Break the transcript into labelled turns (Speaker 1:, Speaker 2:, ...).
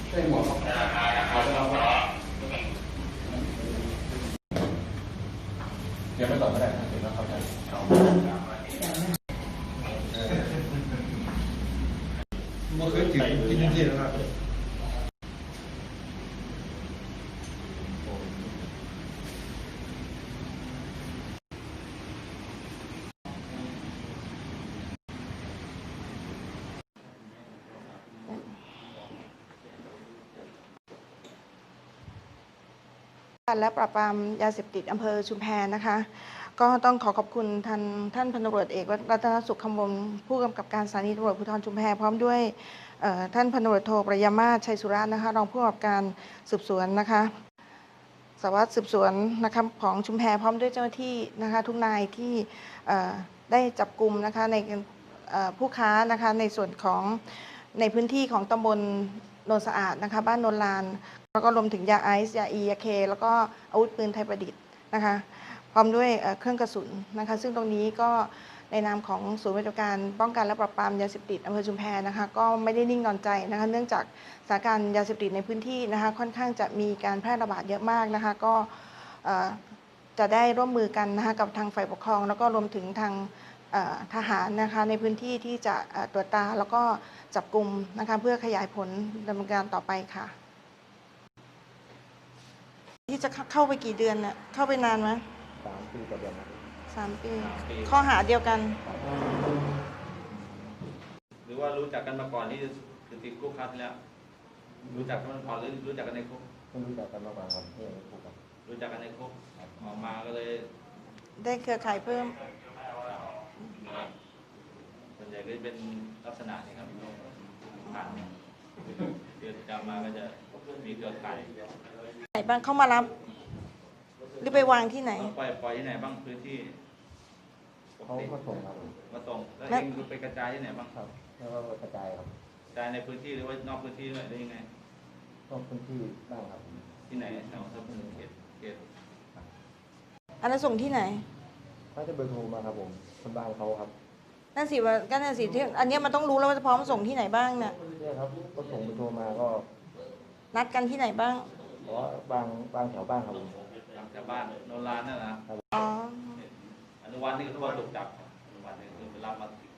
Speaker 1: ใช่หมวกเดี๋ยวไปต่อไม่ได้นะเดี๋ยวเราเข้าใจมันเคยถึงจริงๆนะครับ
Speaker 2: และปราบปรามยาเสพติดอำเภอชุมแพนะคะ ก็ต้องขอบคุณท่านพันตำรวจเอกรัตนสุขคำวงศ์ผู้กำกับการสถานีตำรวจภูธรชุมแพพร้อมด้วยท่านพันตำรวจโทประยามาศชัยสุรานะคะรองผู้กำกับการสืบสวนนะคะสารวัตรสืบสวนนะคะของชุมแพพร้อมด้วยเจ้าหน้าที่นะคะทุกนายที่ได้จับกลุ่มนะคะในผู้ค้านะคะในส่วนของในพื้นที่ของตำบลโนนสะอาดนะคะบ้านโนนลานแล้วก็รวมถึงยาไอซ์ยาอียาเคแล้วก็อาวุธปืนไทยประดิษฐ์นะคะพร้อมด้วยเครื่องกระสุนนะคะซึ่งตรงนี้ก็ในนามของศูนย์ปฏิบัติการป้องกันและปราบปรามยาเสพติดอำเภอชุมแพนะคะก็ไม่ได้นิ่งนอนใจนะคะเนื่องจากสถานการณ์ยาเสพติดในพื้นที่นะคะค่อนข้างจะมีการแพร่ระบาดเยอะมากนะคะก็จะได้ร่วมมือกันนะคะกับทางฝ่ายปกครองแล้วก็รวมถึงทางทหารนะคะในพื้นที่ที่จะตรวจตาแล้วก็จับกลุ่มนะคะเพื่อขยายผลดำเนินการต่อไปค่ะที่จะเข้าไปกี่เดือนเนี่ยเข้าไปนานไหม
Speaker 3: 3 ปีต่อเดือนครับ
Speaker 2: 3 ปีข้อหาเดียวกัน
Speaker 4: หรือว่ารู้จักกันมาก่อนที่จะติดคุกครั้งที่แล้วรู้จักกันมาก่อนหรือรู้จักกันในคุก
Speaker 3: เพิ่งรู้จักกันมาก่อนครับที่ในคุกครับ
Speaker 4: รู้จักกันในคุกออกมาก็เลย
Speaker 2: ได้เครือข่ายเพิ่ม
Speaker 4: ส่วนใหญ่ก็จะเป็นลักษณะนี้ครับผ่านเดือนจำมาก็จะมีเครือข่าย
Speaker 2: ไหนบ้างเข้ามารับหรือไปวางที่ไหน
Speaker 4: ปล่อยที่ไหนบ้างพื้นที่
Speaker 3: เขามาส่งครับ
Speaker 4: มาส่งแล้วเองไปกระจายที่ไหนบ้าง
Speaker 3: ครับแล้วก็กระจายครับ
Speaker 4: กระจายในพื้นที่หรือว่านอกพื้นที่ด้วยหรือยังไง
Speaker 3: นอกพื้นที่บ้างครับ
Speaker 4: ที่ไหนแถวเขต
Speaker 2: อันนั้นส่งที่ไหน
Speaker 3: เขาจะเบอร์โทรมาครับผมคนบ้านเขาครับ
Speaker 2: นั่นสิว่าก็นั่นสิที่อันนี้มันต้องรู้แล้วว่าจะพร้อมส่งที่ไหนบ้างเนี่ย
Speaker 3: ครับก็ส่งเบอร์โทรมาก็
Speaker 2: นัดกันที่ไหนบ้าง
Speaker 3: เพราะบางแถวบ้านครับผม
Speaker 4: แถวบ้านโนรานนั่นนะ
Speaker 2: อ๋อ
Speaker 4: อนุวัฒน์นี่ก็ถูกจับอนุวัฒน์นี่คือไปรับมา